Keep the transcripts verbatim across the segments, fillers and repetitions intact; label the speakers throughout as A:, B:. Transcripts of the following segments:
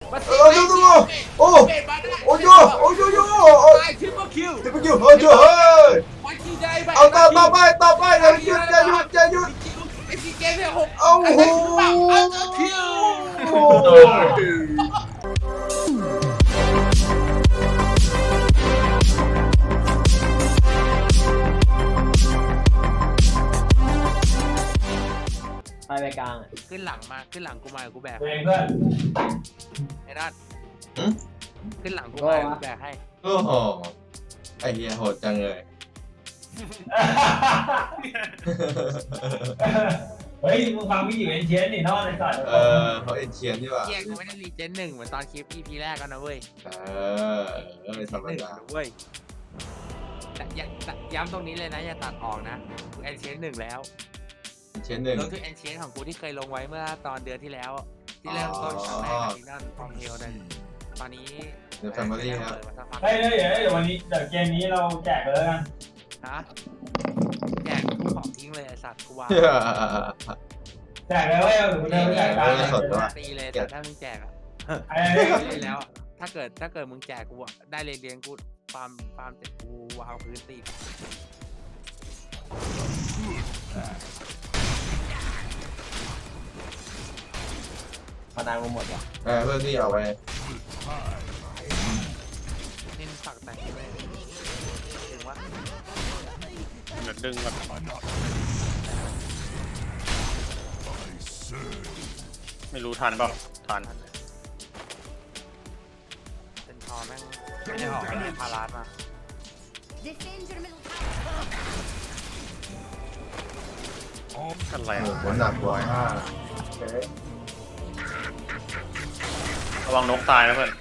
A: เออดูดูโอ้โอ้ยโอ้ยโยไอ้ทิปเปิลคิวทิปเปิลคิวเฮ้ยเฮ้ยเอาต่อต่อไปต่อไปอย่าหยุดอย่าหยุดอย่าหยุดไอ้ซีเกมเนี่ยหกเอาโหเอาคิว
B: ไปไปกลาง
C: ขึ้นหลังมาขึ้นหลังกูมากูแบก
D: เองเพื่อน
C: ไอ้ด้านขึ้นหลังกูมากูแบกให้
A: โอ้โหไอ้เหี้ยโหดจังเลย
D: เฮ้ยมึงฟังพี่อยู่เอ็นเชียนนี่นอนในสัตว์
A: เออเขาเอ็นเชียนดีกว่า
C: เกียกูไม่ได้รีเจนหนึ่งเหมือนตอนคลิป อี พี แรกกันนะเว้ย
A: เออเออธรรม
C: หนึ่ง
A: ดา
C: เว้ยแต่ย้ำตรงนี้เลยนะอย่าตัดออกนะกูแอนเชนหนึ่งแล้ว
A: เชียนหนึ่ง
C: รวมถึงแอนเชนของกูที่เคยลงไว้เมื่อตอนเดือนที่แล้ว ที่เริ่มต้นครั้งแรกกับที่นั่นฟองเฮลนั่นตอนนี้
A: เดี๋ยวแฟมิลี่ครับ
D: เฮ้ยเดี๋ยวเดี๋ยววันนี้เดี๋ยวเกมนี้เราแจกเลยกัน
C: ฮะแจกทุกของทิ้งเลยไอสัตว์กูว่า
D: แจกเลยเว้ยเดินไปแจกตามเลย
C: ตีเลยแต่ถ้ามึงแจกอะ
D: ไอ้นี่
C: เล่นแล้วอะถ้าเกิดถ้าเกิดมึงแจกกูอะได้เรียนเรียนกูฟาร์มฟาร์มเสร็จกูวางพื้นตี
B: พนางกูหมดว่ะ
A: เออเพื่อนที่เอาไป
C: เล่นฝักแต่งเลยถึงว่า
E: เดี๋ยวดึงก่อนไม่รู้ทันเปล่าทัน
C: เป็นทอแม่งไม่ได้ออกเลยพาราสมา
F: Defend your middle
E: อะไร
A: โอ้
E: อะ
A: โหหนักกว่าห้าโอเค
E: ระวังนกตายนะเพื่อน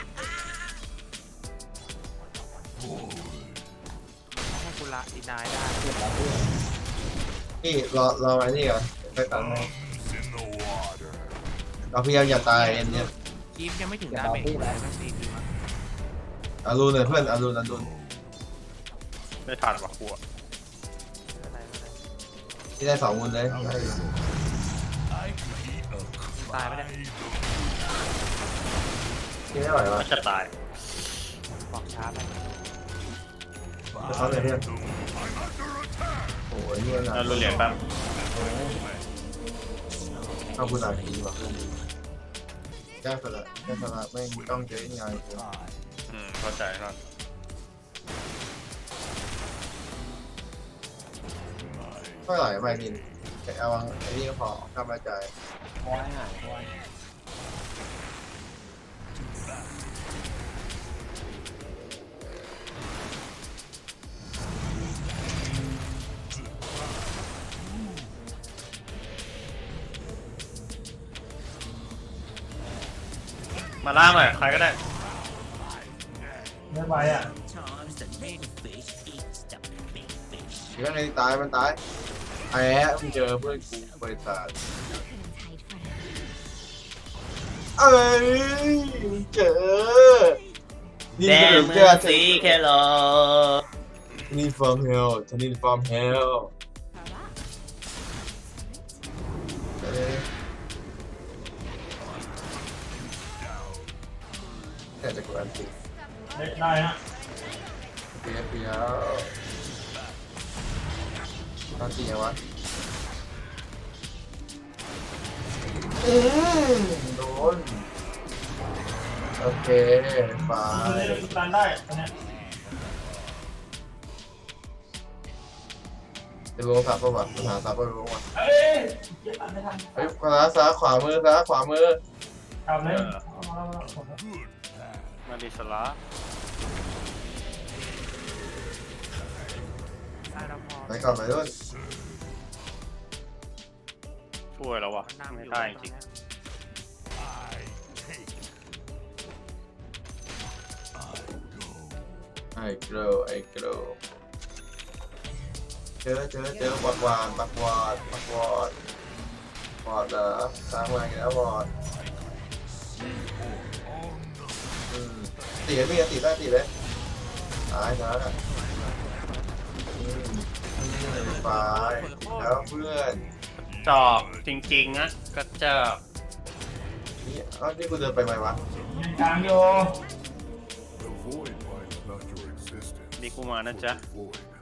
C: ให้กูละดีนายได้
A: นี่รอรอไว้นี่ก่อนไปตัดให้เราพยายามอย่าตายเอ็นเนี่ย
C: คีฟยังไม่ถึงดาเมจเลยต้องตีที
A: อารุณเลยเพื่อนอารุณอารุณ
E: ไม่ทันว่ะกลัว
A: ที่ได้สองมุนเลย
C: ตายไม่ได้
A: ที่ได้ไหววะ
E: ไม่จะตาย
C: บอกช้าไป
A: จะซ้อนเลยเพื่อนโอ้ยนี่มันหนัก
E: แล้วรุนเหรียญแป๊บ
A: เอาคุณอาคีว่ะแก้สละแก้สละไม่ต้องเจอง่าย
E: อืมเข้าใจครับ
A: ก็ไหลไปนินแค่เอาไอ้นี่ก็พอกำลังใจ
B: คอยหายคอย
E: มาล่าหน่อยใครก็ได้
D: ไม่ไปอ่ะ
A: เดี๋ยวไอ้ตายมันตายไอ้แอะมึงเจอเพื่อนกูบริษัท
F: couldn't hide forever.
A: เอ้ยมึงเจอนี่เจอสีแค่รอนี่ from hell ทนี่ from hell เอ้ยแต่จะกดอันติ
D: ได้นะ
A: เปียเปียตอนตีไงวะอืมโดนโอเคไป
D: ตันได้เนี่ย
A: จะลงสับป่ะวะหาสับป่ะลงวะ
D: เอ้ยตันไม่ทัน
A: เฮ้ยขวาซ้ายขวามือซ้ายขวามือ
D: ทำเลย
E: มาดิสลา
C: ได้แล้วพอ
A: ไปก่อนไปด้วย
E: ช่วยแล้ววะ
C: นั่ง
E: ไม่
C: อยู่
E: ได้
C: ต
E: จริง
C: เนี้ย
A: ไอ้เกลียวไอ้เกลียวเจอเจอเจอปักวานปักวานปักวานบอดเหรอสร้างมาอีกแล้วบอดอืมตีไม่ตีได้ตีเลยตายนะอืมไปแล้วเพื่อน
E: จอกจริงๆนะก็จอก
A: นนี่อ้าวนี่กูเดินไปไหมวะ
D: ยังกลางโย
G: The void binds not your existence.
E: มีกูมานะจ๊ะ
G: Void binds not.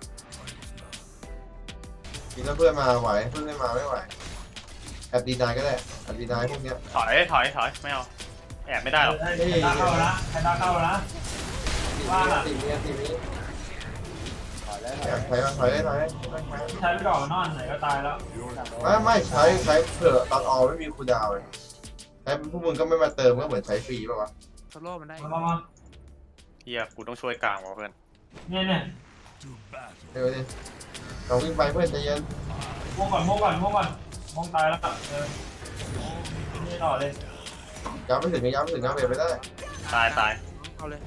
A: กินแล้วเพื่อนมาไหวเพื่อนไม่มาไม่ไหวแอบดีนายก็ได้แอบดีนายพวกเนี้ย
E: ถอยถอยถอยไม่เอาแอบไม่ได้หรอก
D: ใครตาเข้านะใครตาเข้านะ ว่า
A: ตีนี้ตีนี้
B: ถอยเลย
A: แอบถอยมาถอยเลยถอยเลย
D: ใช้ไปก่อนนอนไหนก็ตายแล้ว
A: ไม่ไม่ใช้ใช้เผื่อตอนออไม่มีคูลดาวน์เลยใช้พวกมึงก็ไม่มาเติมก็เหมือนใช้ฟรีป่ะวะ
C: โซโล่มันได้
D: มามามา
E: เฮียกูต้องช่วยกลางว่ะเพื่อน
D: เนี่ยเนี่ย
A: เดี๋ยวดิเราวิ่งไปเพื่อนใจเย็น
D: ม่วงก่อนม่วงก่อนม่วงก่อนม่วงตายแล้วเออนี่ต่อเลย
A: ย้ำไม่ถึงย้ำไม่ถึงย้ำเบรไปได้
E: ตายตาย
C: เอาเลย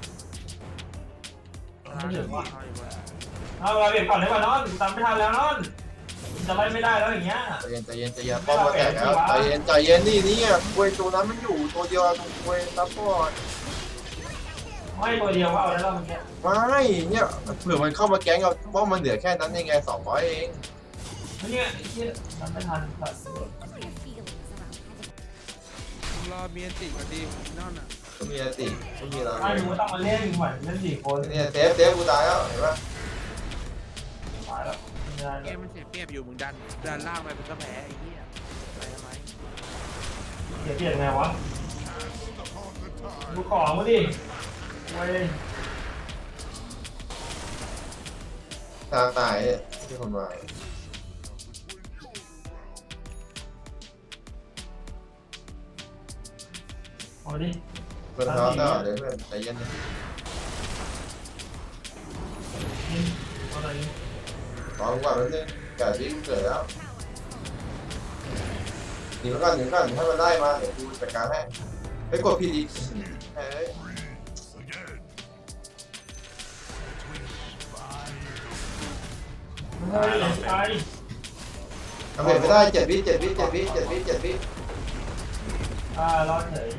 D: ไม่ถึงว่ะ
C: เอาอยู่บน
D: เอาเราเบียดก่อนเลยว่ะนอนตามไม่ทันแล้วนอนจะไล่ไม่ได้แล้วอย่างเงี้ย
A: ใจเย็นใจเย็นใจเย็นป้อมมาแตกแล้วใจเย็นใจเย็นนี่นี่อ่ะควยตัวนั้นมันอยู่ตัวเดียวตรงควยซัพพอร์ต
D: ไม่ตัวเดียวก็เอาแล้วเราเมื่อกี้
A: ไม่เนี่ยเผื่อมันเข้ามาแก๊งเราป้อมมันเหลือแค่นั้นยังไงสองร้อยเอง
D: เนี่ยที่ทำไม่ทัน
F: Your feelings around.
C: รอเมียนติก่อนดีนั่นอ่ะ
A: ก็มีอติก็มีอะไร
D: ไม่รู้ต้องมาเล่นเหมือนเล่นสี่คน
A: เนี่ยเซฟเซฟกูตายแล้วเห็นปะ
D: ตายแล้ว
C: เกมมันเสียเปรียบอยู่มึงดันดันล่างไปเป็นก็แพ้ไอ้เหี้ยไปทำไม
D: เสียเปลี่ยนไงวะดูของมาดิเว้ย
A: ทางตายเนี่ยที่คนมา
D: เอาดิ
A: เพื่อนท้อต่อเดี๋ยวเพื่อนใจเย็นนะ
D: นี่เอาอะไรนี่
A: ขอกูก่อนนิดนึงแก่ที่เกิดแล้วหนีมาก่อนหนีมาก่อนให้มันได้มาเดี๋ยวกูจัดการให้ไปกดผิดอีกเฮ้ย
D: เฮ้ยตาย
A: ทำเห็นไม่ได้เจ็ดวิเจ็ดวิเจ็ดวิเจ็ดวิเจ็ดวิ
D: อ่ารอดเฉย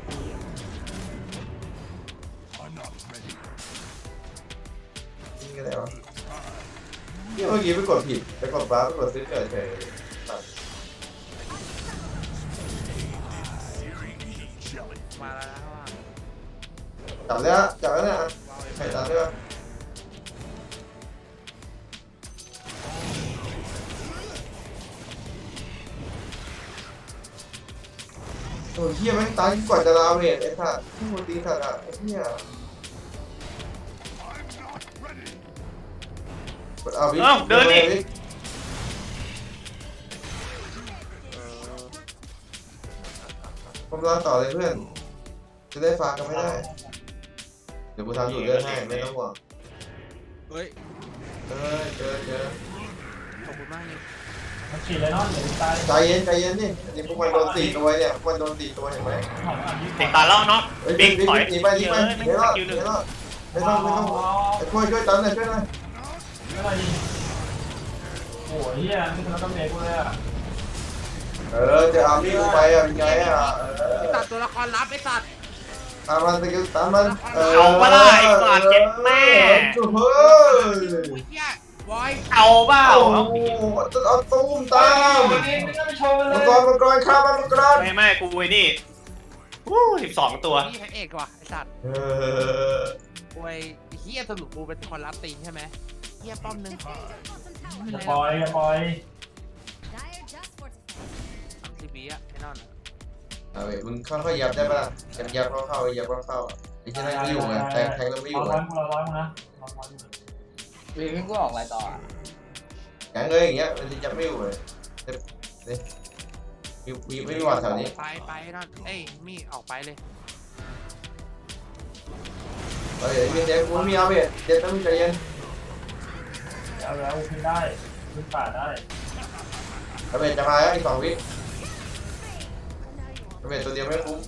A: นี่ก็ได้วะนี่เมื่อกี้ไปกดผิดไปกดฟ้าไปกดซื้อเกิดเฉยตัด
C: มาแล้วนะว่า
A: จับแล้วจับแล้วเนี่ยใครจับได้ปะโอ้ยเฮียแม่งตายก่อนจะลาเวทไอ้สัตว์ที่มันตีสัตว์อ่ะไอ้เฮียเอาวิ
E: เอ้าเดินดิ
A: ผมรอต่อเลยเพื่อน จะได้ฝากกันไม่ได้ เดี๋ยวกูทำอยู่เดินให้ไม่ต้องห่วง
C: เฮ้ย
A: เออเจอเจอ
C: ขอบคุณมากนี่
D: มันฉีดเลยเนาะเดี๋ยวตาย
A: ใจเย็นใจเย็นนี่อันนี้พวกมันโดนสี่ตัวเนี่ยพวกมันโดนสี่ตัวเห็นไหม
E: ติดตาแล้วเนาะ
A: เฮ้ย
E: บิ๊ก
A: บิ๊ก
E: ถอย
A: หนีไปหนีไป
E: เยอะ
A: หนี
E: ไม่
A: รอด
E: สกิล
A: ห
E: หนึ่
A: นี
E: ง
A: รอดไม่ต้องไม่ต้องช่วยช่วยตันหน่อยช่วยหน่อย
D: อะไรดิโอ้ยเฮียนี่คือต้องเมกูเลยอ่ะ
A: เออจะเอาพี่กูไปอ่ะเป็นไงอ่ะ
C: ไอ้สัตว์ตัวละครลับไอ้สัตว์
A: ตามมันสกิลตามมัน
E: เอาปะล่ะไอ้สัตว์เจ็บแม่
A: จุ๊บเฮ้ย
C: โอ้ยเหี้ยบอย
E: เอาเปล่า
A: เอา
E: เอา
A: เอาตุ้มตาม
D: วันนี้ไม่ต้องไปโชว์เล
A: มั
D: ย
A: งกรมังกรข้ามมันมังกร
E: ไม่ไม่กูไอ้นี่วู้สิบสองตัว
C: นี่พระเอกว่ะไอ้สัตว์
A: เออ
C: โอ้ยเฮียสรุปกูเป็นคนรับตีนใช่ไหมเฮียป้อมหนึง
F: Defend your bottom
D: อย่า
F: tower.
D: ปล่อยอย่าปล่อย
F: Dire just fortified.
C: สามสิบวิอะไอ้นั่นอะ
A: เอาไปมึงค่อยๆยับได้ปะล่ะยับยับเข้าเข้ายับเข้าเข้าไอ้ที่นั่นไม่อยู่ไงแทงแทงแล้วไม่อยู่
D: เรา
A: ไง
D: ร้อยกูเราร้อยมึงนะเราร้อยมึง
B: วีพี่กูออกอะไรต่ออ่ะ
A: แทงเลยอย่างเงี้ยมันจะยับไม่อยู่เลยนี่มีมีไม่มีหวัดแถวนี้
C: ไปไปไอ้นั่นเอ้ยมีออกไปเลย
A: เฮ้ยเดี๋ยวกูมีเอาไปเดี๋ยวต้องใจเย็น
D: เอาแล้วขึ้นได้ขึ้นป่าได้
A: เอาไปจะมาแล้วอีกสองวิเอาไปตัวเดียวไม่คุ้ม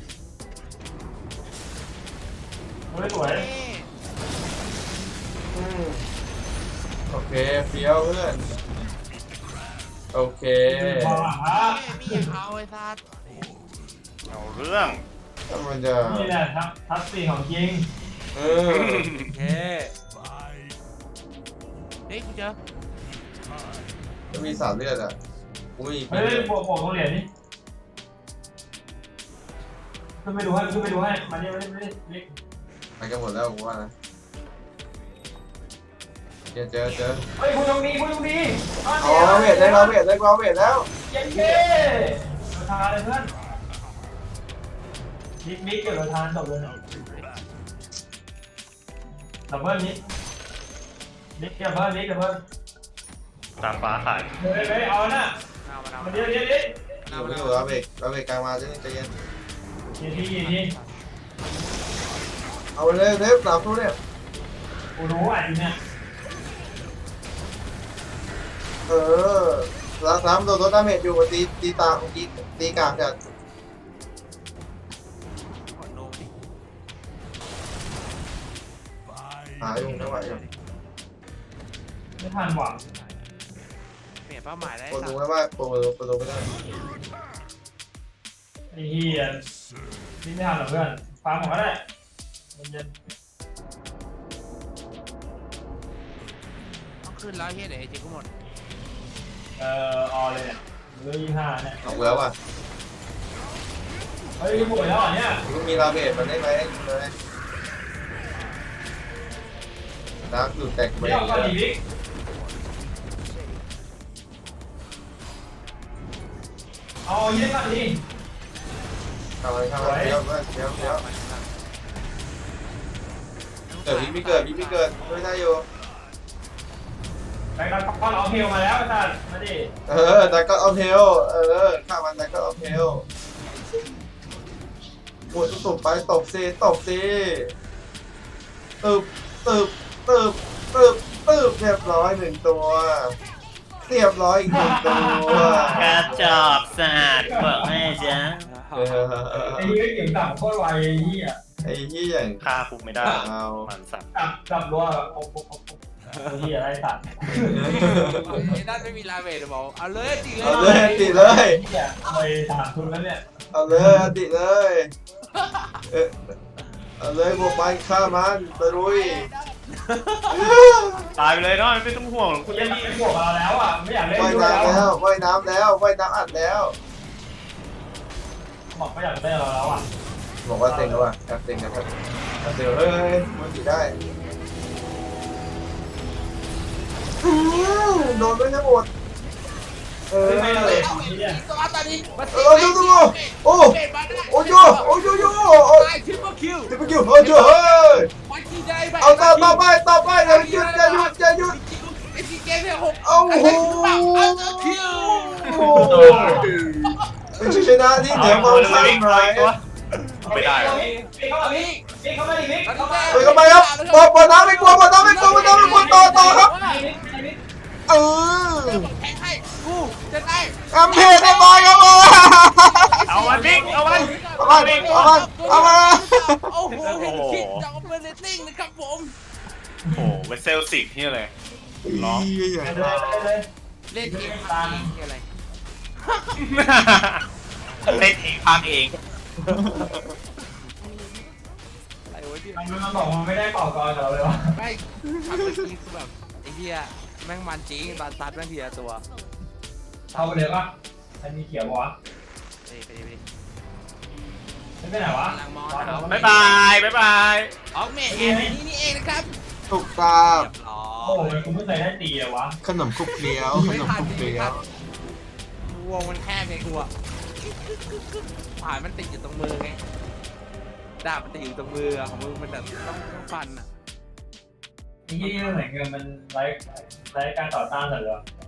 D: เฮ้ยสวย
C: เอ้ย
A: อืมโอเคเฟี้ยวเพื่อนโอเค
D: พอหลังฮะ
C: เอ้ยมีอยากเอาไอ้สัตว์
E: เอาเรื่อง
A: ถ้ามันจะ
D: นี่แหละทับทับสี่ของจริง
A: เออ
C: โอเคเฮ้ยกูเจอ
A: จะมีสามเลือดอ่ะกูไม่มี
D: เฮ้ยบวกบวกของเหรียญนี่ขึ้นไปดูให้ขึ้นไปดูให้มาเนี่ยมาเนี่ยมาเนี่ย
A: ไปกันหมดแล้วกูว่านะเจอเจอเจอ
D: เฮ้ยคุณตรงนี้คุณตรงนี้
A: อ๋อเวทได้เราเวทได้เราเวทแล้ว
D: เย้เย้เราทานเลยเพื่อนบิ๊กบิ๊กเกี่ยวกับทานจบเลยดับเบิ้ลนิดบิ๊กดับเบิ้ลบิ๊กดับเบิ้ล
E: ตามฟ้าขาย
D: เฮ้ยเฮ้ยเอาน่ะ
C: เอามาเอา
D: มา
C: มา
D: เดี๋ยวเดี๋ยวเดี๋ยว
A: อยู่ไม่อยู่เราเวทเราเวทกลางมาจะใจเย็น
D: ทีทีที
A: เอาไปเลยเทปสามตัวเนี่ย
D: กูรู้อ่ะทีเนี้ย
A: เออแล้วสามตัวตัวดาเมจอยู่ตีตีตาตีตีกลางจัด
C: กดโนดิ
A: หาอยู่ไม่ไหวอยู่
D: ไม่ทันหวัง
C: เปลี่ยนเป้าหมายได้
A: คน
C: สั
A: ดู
C: ก
A: ไม่ว่าโปรโปรไม่ได้
D: ไอ้เหี้ยนี่ไม่ทันหรอกเพื่อนฟังผมก็ได้มันเย็น
C: ต้องขึ้นแล้วเฮียเดี๋ยวไอ้เจ๊กูหมด
D: เอ่อออเลยเนี่ยเรื่องยี่ห้าเนี่ย
A: เอาแล้วอ่ะ
D: เฮ้ยป่วยแล้วอ่ะเนี่ย
A: มันมีลาเบทมันได้ไหมเลยดาร์กดูแตกไป
D: เดี๋ยวก่อนดิบิ๊กเอาเย็นก่อนดิ
A: ทำอะไรทำอะไรเดี๋ยวเดี๋ยวเดี๋ยวเกิดพี่ไม่เกิดพี่ไม่เกิดไม่ได้อยู่
D: ไปกันพอเราเฮลมาแล้วท่านมาดิ
A: เออแต่ก็เอาเทลเออข้ามันแต่ก็เอาเทลปวดตบไปตบซีตบซีตึบตึบตึบตึบตึบเรียบร้อยหนึ่งตัวเรียบร้อยอีกหนึ่งตัว
E: กระจอกสะอาดเปิดให้จ้ะ
A: เออ
D: ไอ้เหี้ยเก่งต่ำโคตรไวไอ้เหี้ย
A: ไอ้ที่อย่าง
E: ฆ่าคุกไม่ได้
A: เอา
E: มันสัตว์
D: จับจับรัวแบบโอ้โหไอ้เหี้ยอะไรสัตว์
C: ไอ้นั่นไม่มีลาเวทบอกเอาเลยจริงเลย
A: เอาเลยติเลย
D: ไอ้เหี้ยไปถามคุณแล้วเนี่ย
A: เอาเลยติเลยเออเอาเลยบวกมันฆ่ามันตะลุย
E: ตายไปเลยเนาะไม่ต้องห่วงหรอก
D: คุ
E: คุณ ณ
D: ยั
E: จะ
D: งมีเป็นพวกเราแล้วอ่ะไม่อยากเล่น
A: ว่าย
D: ด้วย
A: น้ำ
D: แล้
A: แล้ว วว่ายน้ำแล้วว่ายน้ำอัดแล้ว
D: บอกไม่อยากเล่นเราแล้วอ่ะ
A: บอกว่าเต็งแล้วว่ะแอบเต็งนะครับแอบเต็งเฮ้ยมันติดได้อื้อโดนด้วยทั้งหมดเออ
D: ไม่ไม่เลยที่เนี่ย
C: ตัวตอนนี้มา
A: เออดูดูโอ้โอ้ยโอ้ยโยโอ้
C: ตายทริปเปิลคิว
A: ที่เมื่อกี้โอ้ยเฮ้ย
C: วันที่ได้ไป
A: เอาต่อต่อไปต่อไปอย่าหยุดอย่าหยุดอย่าหยุด
C: ไอ้ซีเกมเนี่ยหก
A: โอ้โห
C: เอาเจอคิว
A: เป็นชัยชนะที่เหนือมองข้ามไร
E: ไม่ได้
D: พี่เข้ามาดิพี่เข้ามาดิพี่เข้ามา
A: เฮ้ยทำไมครับบอลบอลน้ำไม่กลัวบอลน้ำไม่กลัวบอลน้ำไม่กลัวต่อต่อครับเออ
C: แข่งให้กูจะได้
A: แอมเพจได้บอลครับบอล
E: เอามันบิ๊กเอามัน
A: เอามันเอามันเอามัน
C: โอ้โหเห็นคิดจอเบอร์เรตติ้งนะครับผม
E: โอ้โหเป็นเซลสิกที่อะไร
A: ร้อง
D: เลยเลย
C: เล่นเกมตามอะไร
E: เล่นเองพังเอง
C: อะไรวะที่
D: มันมันบอกมันไม่ได้เป่ากรกับเราเลยวะ
C: ไม่ทำเมื่อกี้คือแบบไอ้เหี้ยแม่งมันจริงตอนซัดแม่งทีละตัว
D: เข้าไปเลยปะมันมีเขียวปะวะ
C: ไปดิไปดิไปดิ
D: ไม่ไปไหนวะ
C: กำลังมอง
E: บ๊ายบายบ๊ายบาย
C: ออกเมทแอนนี่นี่เองนะครับ
A: ถูกตา
C: เรียบร้อ
D: โอ้
C: ย
D: ยกูไม่เคยได้ตีเลยวะ
A: ขนมคุกเลี้ยวขนมคุกเลี้ยว
C: วงมันแคบไงกูอะผ่านมันติดอยู่ตรงมือไงดาบมันติดอยู่ตรงมืออะของมึงมันแบบต้องต้องฟันอะ
D: นี่เหมือนเงินมันไร้ไร้การต่อต้านเลยเหรอ